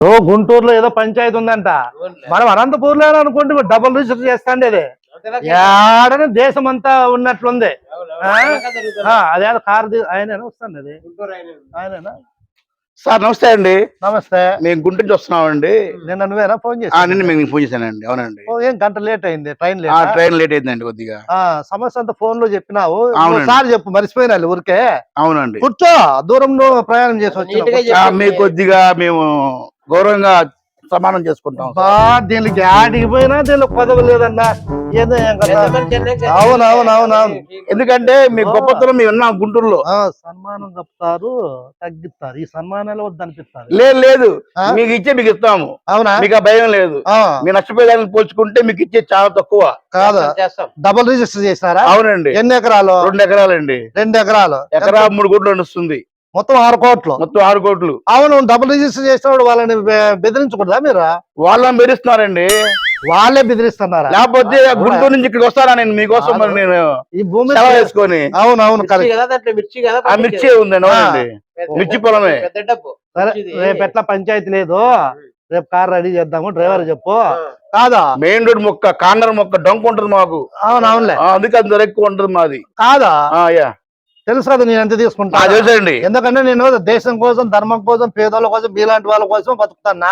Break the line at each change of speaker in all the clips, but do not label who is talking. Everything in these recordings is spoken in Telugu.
ఓ గుంటూరులో ఏదో పంచాయతీ ఉందంట. మనం అనంతపూర్లో అనుకుంటే డబుల్ రిజిస్టర్ చేస్తాండి. అది ఏడని దేశం అంతా ఉన్నట్లుంది. అదే కారు ఆయనేనా వస్తాండి. అది ఆయనేనా
సార్? నమస్తే అండి.
నమస్తే.
మేము గుంటూరు నుంచి వస్తున్నామండి.
నిన్న నువ్వేనా ఫోన్ చేసి?
నిన్న మేము ఫోన్ చేశానండి. అవునండి.
ఏం గంట లేట్ అయింది? ట్రైన్
లేట్ అయిందండి కొద్దిగా.
సమస్య అంతా ఫోన్ లో చెప్పినావు.
అవునండి.
సార్ చెప్పు, మర్చిపోయినా ఊరికే.
అవునండి.
కూర్చో, దూరంలో ప్రయాణం చేసి వచ్చి
మీకు కొద్దిగా మేము గౌరవంగా సమానం చేసుకుంటాం.
దీనికి ఆడికి పోయినా దీనికి పదవి లేదన్నా. ఏదో అవునవునవునవును.
ఎందుకంటే మీ గొప్పతనం మేము ఉన్నాం గుంటూరులో.
సన్మానం చెప్తారు, తగ్గిస్తారు. ఈ సన్మానాలు వద్దనిపిస్తారు.
లేదు, మీకు ఇచ్చే మీకు ఇస్తాము.
అవునా?
మీకు ఆ భయం లేదు. మీరు నష్టపోయేదాన్ని పోల్చుకుంటే మీకు ఇచ్చే చాలా తక్కువ.
కాదు, డబుల్ రిజిస్టర్ చేసినారా?
అవునండి.
ఎన్ని ఎకరాలు?
2 ఎకరాలండి.
2 ఎకరాలు.
ఎకరా 3 కోట్లు నడుస్తుంది.
మొత్తం 6 కోట్లు.
మొత్తం 6 కోట్లు.
అవును. డబుల్ రిజిస్టర్ చేసినప్పుడు వాళ్ళని బెదిరించకూడదా మీరు?
వాళ్ళని బెదిరిస్తున్నారండి.
వాళ్ళే బెదిరిస్తున్నారా?
లేకపోతే గుంటూరు నుంచి ఇక్కడికి వస్తారా? నేను మీకోసం నేను
ఈ భూమి
వేసుకొని.
అవునవును.
ఆ మిర్చి ఉందండి. అవునండి, మిర్చి పొలమే.
సరే, రేపు ఎట్లా పంచాయతీ లేదు, రేపు కార్ రెడీ చేద్దాము. డ్రైవర్ చెప్పు. కాదా,
మెయిన్ రోడ్ మొక్క, కార్నర్ మొక్క డొంక ఉంటుంది మాకు.
అవునవునులే.
అందుకే అంత ఎక్కువ ఉంటుంది మాది.
కాదా? తెలుసు కదా నేను ఎంత తీసుకుంటా.
తెలుసండి.
ఎందుకంటే నేను దేశం కోసం, ధర్మం కోసం, పేదోళ్ళ కోసం, మీలాంటి వాళ్ళ కోసం బతుకుతాను.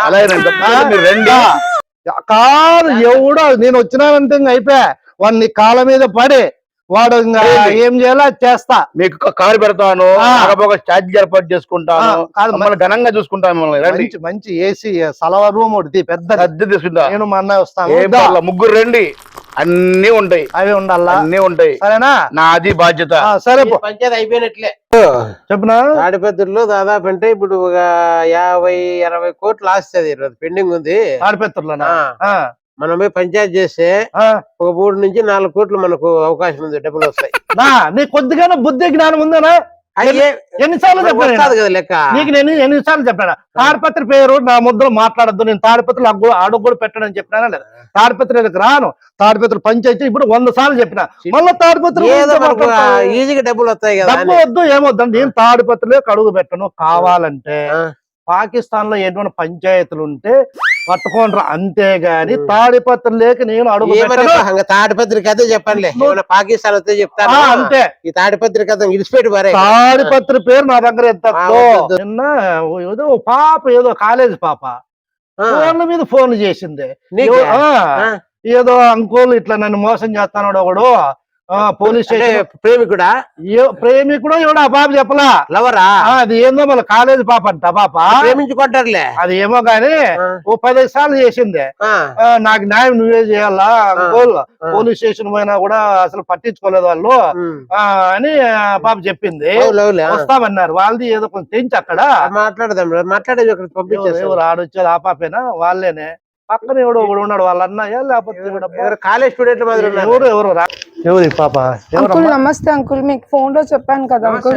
కాదు ఎవడో నేను వచ్చినానంటే ఇంక అయిపోయా. వాడిని కాళ్ళ మీద పడి వాడు ఇంకా ఏం చేయాలో చేస్తా. మీకు
కారు పెడతాను, ఛార్జ్ ఏర్పాటు చేసుకుంటాను. మమ్మల్ని ఘనంగా చూసుకుంటాను.
మంచి ఏసీ సలవా రూమ్ ఒకటి పెద్ద తీసుకుంటా. నేను మా అన్నయ్య వస్తాను.
ముగ్గురు రండి, అన్ని ఉంటాయి.
అవి ఉండాలా?
అన్ని ఉంటాయి.
సరేనా?
నాది బాధ్యత.
సరే,
పంచాయతీ అయిపోయినట్లే.
చెప్పనా?
తాడిపత్రిలో దాదాపు అంటే ఇప్పుడు ఒక 50-60 కోట్లు ఆస్తుంది. పెండింగ్ ఉంది
తాడిపత్రిలోనా?
మనం పోయి పంచాయతీ చేస్తే ఒక 3 నుంచి 4 కోట్లు మనకు అవకాశం ఉంది, డబ్బులు వస్తాయి.
నీ కొద్దిగానే బుద్ధి జ్ఞానం ఉందనా? ఎన్నిసార్లు చెప్పాను
కదా లెక్క
నీకు? నేను ఎన్నిసార్లు చెప్పాను తాడిపత్రి పేరు నా ముద్రలో మాట్లాడద్దు, నేను తాడిపత్రులు అడుగు కూడా పెట్టడని చెప్పినా లేదా? తాడిపత్రికి రాను. తాడిపత్రి పంచాయతీ ఇప్పుడు 100 సార్లు చెప్పిన. మళ్ళీ తాడిపత్రి
ఈజీగా డబ్బులు వస్తాయి కదా.
డబ్బు వద్దు, ఏమొద్దు. నేను తాడిపత్రిలోకి అడుగు పెట్టను. కావాలంటే పాకిస్తాన్ లో ఎటువంటి పంచాయతీలు ఉంటే పట్టుకోండి, అంతేగాని తాడిపత్రిలోకి నేను అడుగు పెట్టను.
తాడిపత్రి కథ చెప్పండి. పాకిస్తాన్ వస్తే చెప్తాను.
అంతే.
ఈ తాడిపత్రి కథ ఇడిచిపెట్టి మరే.
తాడిపత్రి పేరు నా దగ్గర ఎంత. నిన్న ఏదో పాప, ఏదో కాలేజ్ పాప ఫోన్ల మీద ఫోన్ చేసింది. ఏదో అంకుల్ ఇట్లా నన్ను మోసం చేస్తాడు ఒకడు. పోలీస్ స్టేషన్ ప్రేమికుడు ఎవడో ఆ పాప చెప్పలా.
లవరా?
అది ఏందో మళ్ళీ కాలేజ్ పాప అంట. పాప
ప్రేమించుకుంటారులే.
అది ఏమో గాని ఓ 15 సార్లు చేసింది. నాకు న్యాయం నువ్వే చేయాలా అంకుల్, పోలీస్ స్టేషన్ పోయినా కూడా అసలు పట్టించుకోలేదు వాళ్ళు అని పాప చెప్పింది. వస్తామన్నారు. వాళ్ళది ఏదో కొంచెం తెంచి అక్కడ
మాట్లాడేది పంపించారు.
ఎవరు ఆడొచ్చేది ఆ పాపేనా? వాళ్ళేనే. పక్కన ఎవడో ఒకడు ఉన్నాడు, వాళ్ళ అన్నయ్య లేకపోతే
కాలేజ్ స్టూడెంట్
ఎవరు ఎవరు పాప?
నమస్తే అంకుల్, మీకు ఫోన్ లో చెప్పాను కదా అంకుల్.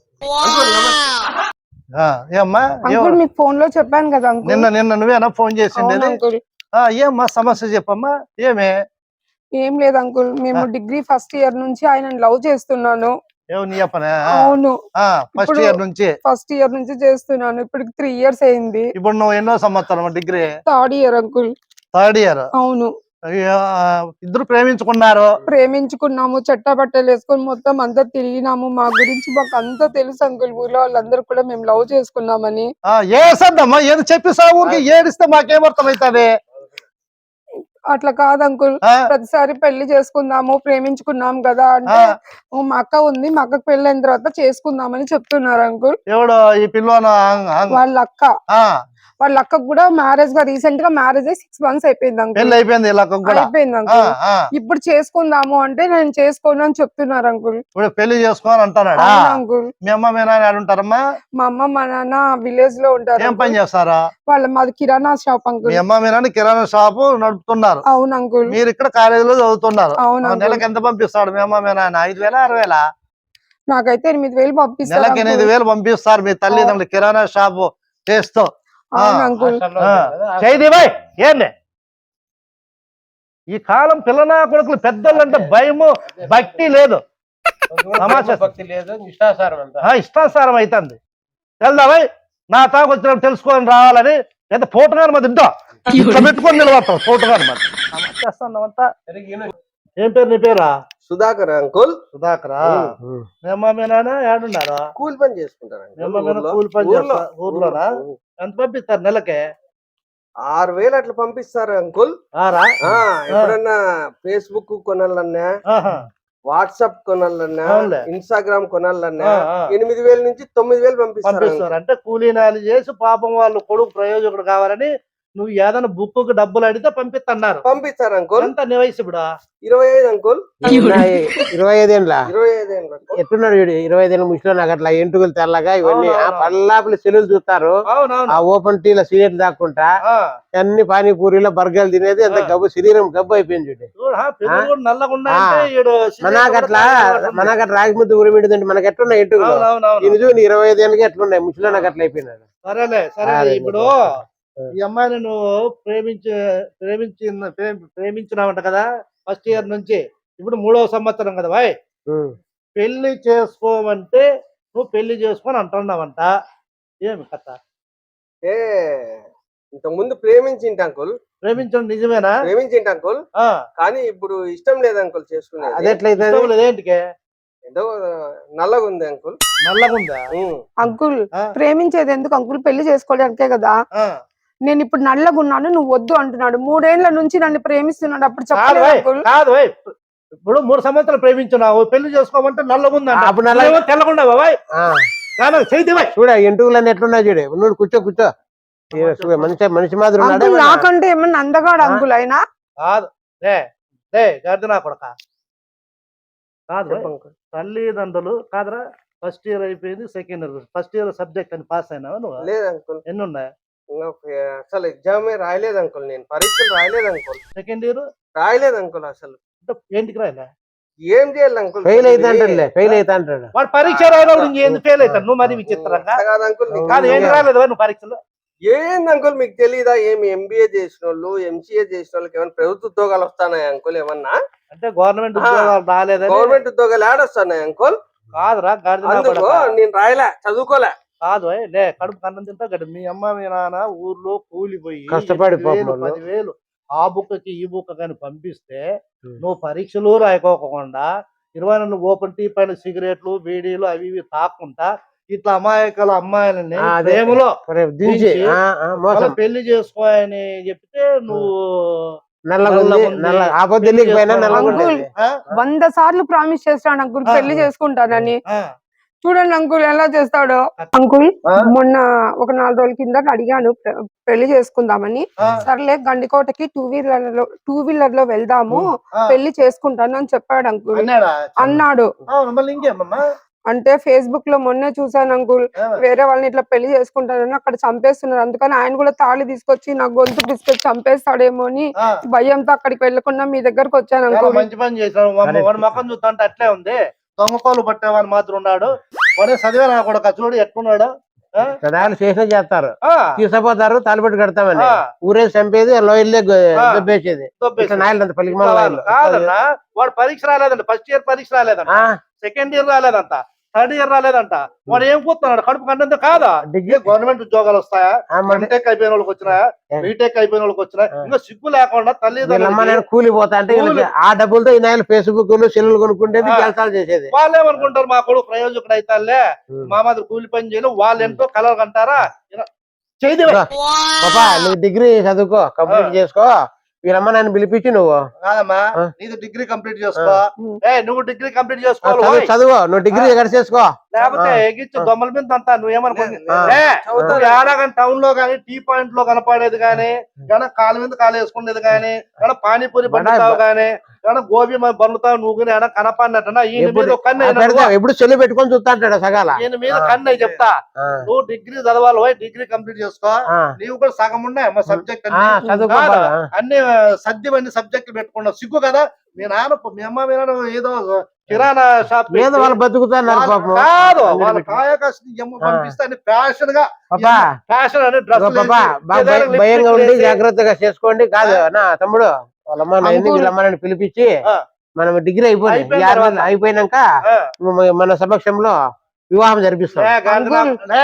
ఏమ్మా?
అంకుల్ మీకు ఫోన్ లో చెప్పాను కదా అంకుల్.
నిన్న నువ్వేనా ఫోన్ చేసింది? ఏమ్మా సమస్య చెప్పమ్మా.
ఏం లేదు అంకుల్, మేము డిగ్రీ ఫస్ట్ ఇయర్ నుంచి ఆయన లవ్ చేస్తున్నాను. అవును,
ఫస్ట్ ఇయర్ నుంచి
చేస్తున్నాను. ఇప్పటికి 3 ఇయర్స్ అయింది.
ఇప్పుడు నువ్వు ఎన్నో సంవత్సరం? Degree
3rd year uncle.
3rd year?
అవును.
ఇద్దరు ప్రేమించుకున్నాము,
చట్టబట్టలు వేసుకొని మొత్తం అంతా తిరిగినాము. మా గురించి మాకు అంతా తెలుసు అంకుల్. ఊర్లో వాళ్ళందరూ కూడా మేము లవ్ చేసుకున్నామని.
ఏసద్దమ్మా, ఏది చెప్పిస్తావు? ఊరికి ఏడిస్తే మాకేమర్థమవుతుంది?
అట్లా కాదు అంకుల్, ప్రతిసారి పెళ్లి చేసుకుందాము, ప్రేమించుకున్నాం కదా అంటే మా అక్క ఉంది, మా అక్కకు పెళ్లి అయిన తర్వాత చేసుకుందామని చెప్తున్నారు అంకుల్.
ఎవడో ఈ పిల్లన?
వాళ్ళ అక్క. వాళ్ళ అక్కకు కూడా మ్యారేజ్ గా రీసెంట్ గా మ్యారేజ్ అయ్యి 6 months అయిపోయింది అంకుల్.
అయిపోయింది
అంకుల్. ఇప్పుడు చేసుకుందాము అంటే నేను చేసుకోను అని చెప్తున్నారు అంకుల్.
ఇప్పుడు పెళ్లి చేసుకోని అంటున్నాడా అంకుల్? మీ అమ్మ మీ నాన్న ఉంటారమ్మా?
మా అమ్మ మా నాన్న విలేజ్ లో ఉంటారు.
ఏం పని చేస్తారా?
మాది కిరాణా షాప్ అంకుల్.
మీ అమ్మ మీ నాన్న కిరాణా షాప్ నడుపుతున్నారు?
అవును అంకుల్.
మీరు ఇక్కడ కాలేజీలో చదువుతున్నారు?
అవును.
నెలకు ఎంత పంపిస్తాడు మీ అమ్మ మీ నాన్న? 5,000 6,000?
నాకైతే 8,000 పంపిస్తారు.
నెలకు 8,000 పంపిస్తారు మీ తల్లిదండ్రులు కిరాణా షాప్ చేస్తూ. చైదీబాయ్ ఏంది ఈ కాలం పిల్లనా కొడుకులు పెద్దోళ్ళంటే భయము భక్తి లేదు, ఇష్టాసారం అవుతుంది. వెళ్దామై నా తాకు వచ్చినప్పుడు తెలుసుకొని రావాలని ఎంత ఫోటోగాని మరి ఇంటో ఇట్లా పెట్టుకొని నిలబడతాం ఫోటోగాని మరి చేస్తామంతా. ఏం పేరు నీ పేరా?
సుధాకర్ అంకుల్.
సుధాకరా? మేమా మీ నాన్న ఏడున్నారా?
కూలి పని చేసుకుంటారు
మేమా మీ కూలి పని చేస్తా ఊర్లోనా? ఎంత పంపిస్తారు నెలకే?
6,000 అట్లా పంపిస్తారు అంకుల్. ఎప్పుడన్నా ఫేస్బుక్ కొనాలన్నా, వాట్సాప్ కొనాలన్నా, ఇన్స్టాగ్రామ్ కొనాలన్నా 8,000 నుంచి 9,000 పంపిస్తారు.
అంటే కూలీనాలు చేసి పాపం వాళ్ళు కొడుకు ప్రయోజకుడు కావాలని నువ్వు ఏదైనా బుక్ డబ్బులు అడిగితే
పంపిస్తారు అంకుల్.
ఎంత నీ వయసు ఇప్పుడు?
25 అంకుల్.
25 ఏళ్ళ
25 ఏళ్ళు
ఎట్టున్నాడు వీడు? 25 ఏళ్ళ ముసలో నాకు అట్లా ఎంటుకలు తెల్లగా ఇవన్నీ పల్లాపులు సెల్లులు చూస్తారు. ఆ ఓపెన్ టీలో సిగరెట్లు దాక్కుంటా అన్ని పానీపూరిలో బర్గర్లు తినేది అంత గబ్బు శరీరం గబ్బు అయిపోయింది చూడు. మనకట్లా రాగి ముద్ద ఉరిమింటుందంటే మనకి ఎట్లున్నాయి ఎంటుకలు? ఇది చూడు 25 ఏళ్ళకి ఎట్లున్నాయి ముసలో నాకు అట్లా అయిపోయినాడు.
సరేలే సరే. ఇప్పుడు ఈ అమ్మాయిని నువ్వు ప్రేమించినావంట కదా ఫస్ట్ ఇయర్ నుంచి, ఇప్పుడు 3వ సంవత్సరం కదా బాయ్. పెళ్లి చేసుకోమంటే నువ్వు పెళ్లి చేసుకొని అంటున్నావంట, ఏమి కథ?
ఇంత ముందు ప్రేమించింట అంకుల్.
ప్రేమించడం నిజమేనా?
ప్రేమించింట అంకుల్, కానీ ఇప్పుడు ఇష్టం లేదు అంకుల్ చేసుకునేది.
అది ఎట్లయితే
ఏంటికే?
ఏదో నల్లగా ఉంది అంకుల్.
నల్లగా ఉందా?
అంకుల్ ప్రేమించేది ఎందుకు అంకుల్? పెళ్లి చేసుకోవడానికే కదా. నేను ఇప్పుడు నల్లగా ఉన్నాను, నువ్వు వద్దు అంటున్నాడు. 3 ఏళ్ల నుంచి నన్ను ప్రేమిస్తున్నాడు, అప్పుడు చెప్పలేదు అంకుల్.
కాదు ఇప్పుడు 3 సంవత్సరాలు ప్రేమించున్నావు, పెళ్లి చేసుకోమంటే నల్లగుందా?
అప్పుడు నల్ల
తెల్లకుండా బాబాయ్
చూడ ఎంటుకలన్నీ ఎట్లున్నా చూడే. నువ్వు కూర్చో కూర్చో, మనిషి మాదిరి ఉన్నాడు.
నాకంటే ఏమన్నా అందగాడు అంకుల్ అయినా?
కాదు గర్దనా కొడక కాదు. తల్లిదండ్రులు కాదురా, ఫస్ట్ ఇయర్ అయిపోయింది, second year, first year subject అని పాస్ అయినావా నువ్వు?
లేదు అంకుల్.
ఎన్ని ఉన్నాయి?
అసలు ఎగ్జామే రాయలేదు అంకుల్, నేను పరీక్షలు రాయలేదు అంకుల్.
సెకండ్ ఇయర్
రాయలేదు అంకుల్. అసలు
ఏంటికి రాయలే?
ఏం చేయాలి అంకుల్?
ఫెయిల్ అయితే అంటాడు
వాడు. పరీక్ష రాయడం ఏంది ఫెయిల్ అవుతాడు? నువ్వు మరి విచిత్రంగా
కాదు అంకుల్.
కాదు, ఏంటి రాలేదు నువ్వు పరీక్షలో?
ఏంది అంకుల్ మీకు తెలీదా? ఏమి ఎంబీఏ చేసిన వాళ్ళు, ఎంసీఏ చేసిన వాళ్ళకి ఏమైనా ప్రభుత్వ ఉద్యోగాలు వస్తానాయి అంకుల్? ఏమన్నా
అంటే గవర్నమెంట్ ఉద్యోగాలు రాలేదా?
గవర్నమెంట్ ఉద్యోగాలు ఏడొస్తాయి అంకుల్?
కాదురా
నేను రాయలే, చదువుకోలే.
కాదు కడుపు కన్నం తింటా గడ్డ. మీ అమ్మ మీ నాన్న ఊర్లో కూలిపోయి
కష్టపడి
10,000 ఆ బుక్కకి ఈ బుక్క కానీ పంపిస్తే నువ్వు పరీక్షలు రాయకోకుండా 24 ఓపెన్ టీ పైన సిగరెట్లు బీడీలు అవి ఇవి తాకుండా ఇట్లా అమాయకుల అమ్మాయిలని ప్రేమలో పెళ్లి చేసుకోని చెప్తే నువ్వు
100 సార్లు ప్రామిస్ చేస్తాడు అంకుల్ పెళ్లి చేసుకుంటానని. చూడండి అంకుల్ ఎలా చేస్తాడో. అంకుల్ మొన్న ఒక 4 రోజుల కింద అడిగాను పెళ్లి చేసుకుందామని. సర్లే గండికోటకి 2 వీలర్ లో వెళ్దాము, పెళ్లి చేసుకుంటాను అని చెప్పాడు అంకుల్. అన్నాడు. అంటే ఫేస్బుక్ లో మొన్నే చూసాను అంకుల్, వేరే వాళ్ళని ఇట్లా పెళ్లి చేసుకుంటానని అక్కడ చంపేస్తున్నారు. అందుకని ఆయన కూడా తాళి తీసుకొచ్చి నా గొంతు తీసుకొచ్చి చంపేస్తాడేమో అని భయంతో అక్కడికి వెళ్ళకుండా మీ దగ్గరకు వచ్చాను అంకుల్.
మంచి పని చేశాడు. వాడి ముఖం చూస్తుంటే అట్లే ఉంది, దొంగకోలు పట్టేవాడు మాత్రం ఉన్నాడు. వాడే చదివే నా కూడా చూడు ఎట్టున్నాడు.
చేసే చేస్తారు, తీసుకుపోతారు, తాలిపెట్టు కడతామని ఊరే చంపేది, లోయల్లే దొబ్బేసేది.
కాదన్నా వాడు పరీక్ష రాలేదంట, ఫస్ట్ ఇయర్ పరీక్ష రాలేదంట, సెకండ్ ఇయర్ రాలేదంట, థర్డ్ ఇయర్ రాలేదంట. వాడు ఏం కూతున్నాడు? కడుపు కంటే కాదా? డిగ్రీ గవర్నమెంట్ ఉద్యోగాలు వస్తాయా? ఎంటెక్ అయిపోయిన వాళ్ళకి వచ్చినాయా? బీటెక్ అయిపోయిన వాళ్ళకి వచ్చినాయి. ఇంకా సిగ్గు లేకుండా తల్లిదండ్రులు
కూలిపోతా అంటే ఆ డబ్బులతో ఈ నాయలు ఫేస్బుక్ సెల్లు కొనుక్కుంటేది, జలసాలు చేసేది.
వాళ్ళు ఏమనుకుంటారు? మా కొడుకు ప్రయోజకుడు అయితాలే, మా మాదిరి కూలి పని చేయను, వాళ్ళు ఎంతో కలర్ కంటారా?
పాపా నువ్వు డిగ్రీ చదువుకో, కంప్లీట్ చేసుకో, వీళ్ళమ్మ నన్ను పిలిపించి నువ్వు
కాదమ్మా నీది డిగ్రీ కంప్లీట్ చేసుకో. నువ్వు డిగ్రీ కంప్లీట్ చేసుకోవాలి,
చదువు, నువ్వు డిగ్రీ ఎక్కడ చేసుకో.
లేకపోతే ఎగిచ్చు దొమ్మల మీద అంతా నువ్వేమనుకుంటున్నా టౌన్ లో గానీ టీ పాయింట్ లో కనపడేది గానీ, కాలు మీద కాలు వేసుకునేది గానీ, పానీపూరి బండుతావు గానీ, గోబీ బండుతావు నువ్వు కనపడినట్టు ఈయన మీద కన్ను
ఎప్పుడు చెల్లి పెట్టుకొని చూస్తా అంటాడు సగాల.
ఈయన మీద కన్ను చెప్తా, నువ్వు డిగ్రీ చదవాలి, డిగ్రీ కంప్లీట్ చేసుకో. నీవు కూడా సగం ఉన్నాయి మా సబ్జెక్ట్ అన్ని సద్యమన్ని సబ్జెక్టులు పెట్టుకున్నావు. సిగ్గు కదా? మీ నాన్న మీ అమ్మ మీ నాన్న ఏదో కిరాణా షాప్
వాళ్ళు బతుకుతున్నారు
కాదు, వాళ్ళ కాయకష్టం పంపిస్తే ఫ్యాషన్ గా ఫ్యాషన్ అని
భయంగా ఉండి జాగ్రత్తగా చేసుకోండి. కాదు నా తమ్ముడు వీళ్ళమ్మని పిలిపించి మనం డిగ్రీ అయిపోయినాక మన సమక్షంలో వివాహం జరిపిస్తాం.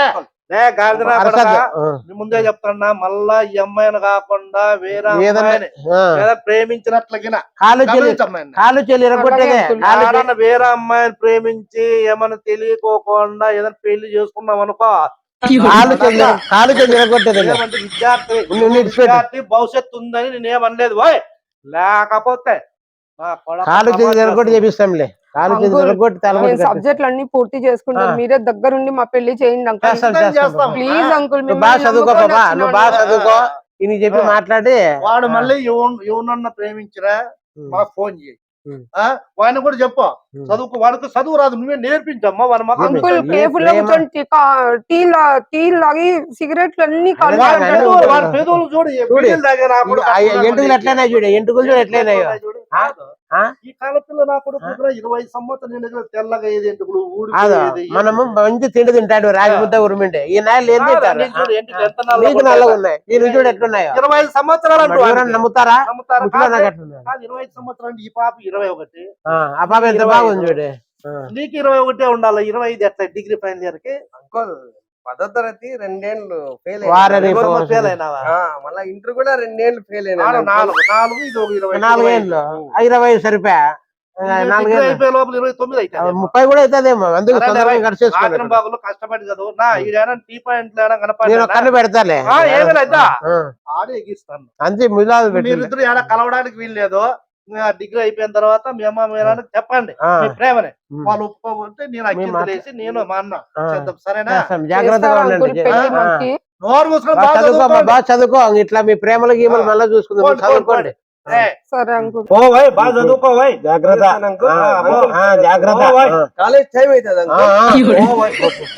గాడిదనా
అరసద్దు.
కొడకా,
ఆ.
నీ ముందే చెప్తున్నా, మళ్ళా ఈ అమ్మాయిని కాకుండా వేరే
ఏదన్నా-
అమ్మాయిని
ఆ.
లేదా ప్రేమించినట్లగిన
కాలు చెల్లి
గమనించమ్మాయిని.
కాలు చెల్లి ఎరగొట్టేదే
అలాగే
కాలు చెల్లి-
ఎవరన్నా వేరే అమ్మాయిని ప్రేమించి ఏమన్నా తెలియకోకుండా ఏదైనా పెళ్లి చేసుకున్నాం అనుకో,
కాలు చెల్లి ఎరగొట్టేదే
ఏమంటే విద్యార్థి
ఉండి ఇడిచిపెట్టు.
విద్యార్థి భవిష్యత్తు ఉందని నేను ఏమనలేదు ఓయ్. లేకపోతే నా కొడక
కాలు చెల్లి
సమాజం
ఎరగొట్టి
చేస్తుంది.
చేపిస్తాంలే కాలు చెల్లి
అంకుల్,
ఎరగొట్టి
నేను
తలగొట్టి
సబ్జెక్టులు అన్ని పూర్తి చేసుకుంటాను,
ఆ.
మీరే దగ్గరుండి మా పెళ్లి చేయండి అంకుల్.
చేస్తాం.
ప్లీజ్ అంకుల్,
నువ్వు బాగా చదువుకో పాపా నువ్వు బాగా చదువుకో ఇని చెప్పి
ఆ.
మాట్లాడి
వాడు మళ్ళీ ఎవరన్నా ప్రేమించినా మాకు ఫోన్ చేయి. వాడిని కూడా చెప్పు చదువుకు, వాడికి చదువు రాదు, నువ్వే నేర్పించమ్మా వాడి మొఖం
అంకుల్
ఏ
కేఫ్ లో
ప్రేమ?
కూర్చొని టీ లాగి సిగరెట్లు అన్ని
అదే
వాడి
కానీ
పెదవులు,
ఉంటాడు.
వాడి పెదవులు చూడు
చూడు.
బిడ్డలు తాగే నా కొడుకు
ఆ
అట్లా
ఎంటుకలు
ఉన్నాయి.
ఎట్లయినా చూడు ఎంటుకలు చూడు ఎట్లయినాయో
చూడు.
ఆ? ఆ?
ఈ కాలపిల్ల నా కొడుకు కూడా 20 సంవత్సరాలు నిండుగా తెల్లగా ఏది ఎంటుకలు
కాదు
ఊడిపోయేది.
మనము మంచి తిండి తింటాడు రాగి ముద్ద ఉరిమింటే ఈ నాయలు ఏం తింటారు
నేను చూడు ఎంటుకలు ఎంత నల్లగా
నీకు
ఉంటాయో.
నల్లగా ఉన్నాయి ఈ చూడు ఎట్లున్నాయో
25 సంవత్సరాలు అంటూ
ఎవరన్నా
వాడికి.
నమ్ముతారా
నమ్ముతారా?
ముసలో నాకు
కాదు,
ఎట్లున్నాయి?
కాదు, 25 సంవత్సరాలు ఈ పాప 21.
ఆ పాప ఎంత
25.
బాగుంది చూడు
నీకు 21 ఉండాలి. 25 ఎట్లా డిగ్రీ ఫైనల్ ఇయర్ కి
అంకుల్ 10వ తరగతి 2 ఏళ్ళు ఫెయిల్
వారని
ఫెయిల్ అయినావా?
మళ్ళా ఇంటర్ కూడా 2 ఏళ్ళు ఫెయిల్ అయినా
నాలుగు ఇది ఒక 20.
4 ఏళ్ళు 20 సరిపోయా
డిగ్రీ
4 ఏళ్ళు
అయిపోయే లోపల 29 అవుతుంది.
30 కూడా అవుతుందేమో అందుకు
సరే,
తొందరగా
రాత్రి
గడిచేసుకోండి
బాగులు కష్టపడి చదువు నా ఈడైనా టీ పాయింట్ లేడా
నేను
కనపడి
కన్ను పెడతాలే
ఏమీ లేదా
ఆ.
ఆడే ఎగిస్తాను.
అంతే ములాదు పెట్టి
మీరిద్దరు ఏడా కలవడానికి వీల్లేదు. డిగ్రీ అయిపోయిన తర్వాత మీ అమ్మ మీ నాన్నకి చెప్పండి మీ ప్రేమని. వాళ్ళు ఒప్పుకోకుంటే నేను అక్కింత లేసి నేను మా అన్న చేద్దాం. సరేనా?
జాగ్రత్తగా
చేస్తారా
ఉండండి
అంకుల్ పెళ్లి మాకి?
నోరు మూసుకొని
బాగా
బాగా
చదువుకో అమ్మా,
చదువుకోండి.
బాగా చదువుకో ఇట్లా మీ ప్రేమలు గీమలు మళ్ళీ చూసుకుందాం
పోండి,
చదువుకోండి
ఏయ్,
సరే అంకుల్.
ఓ వై బాగా చదువుకోవై.
జాగ్రత్త జాగ్రత్త
ఓ వై.
కాలేజ్ టైం అవుతుంది
ఓ వై.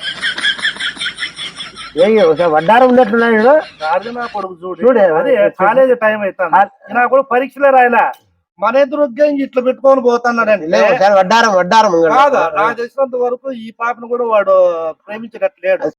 వడ్డారం ఉన్నట్లున్నాడు
గాడిద నా కొడుకు చూడు.
చూడు.
అదే కాలేజ్ టైం అవుతాను. నా కూడా పరీక్షలే రాయలా. మన ఎదురు ఇట్లా పెట్టుకొని పోతున్నాడంటే
వడ్డారం
కాదు, నాకు తెలిసినంత వరకు ఈ పాపను కూడా వాడు ప్రేమించట్లేడు.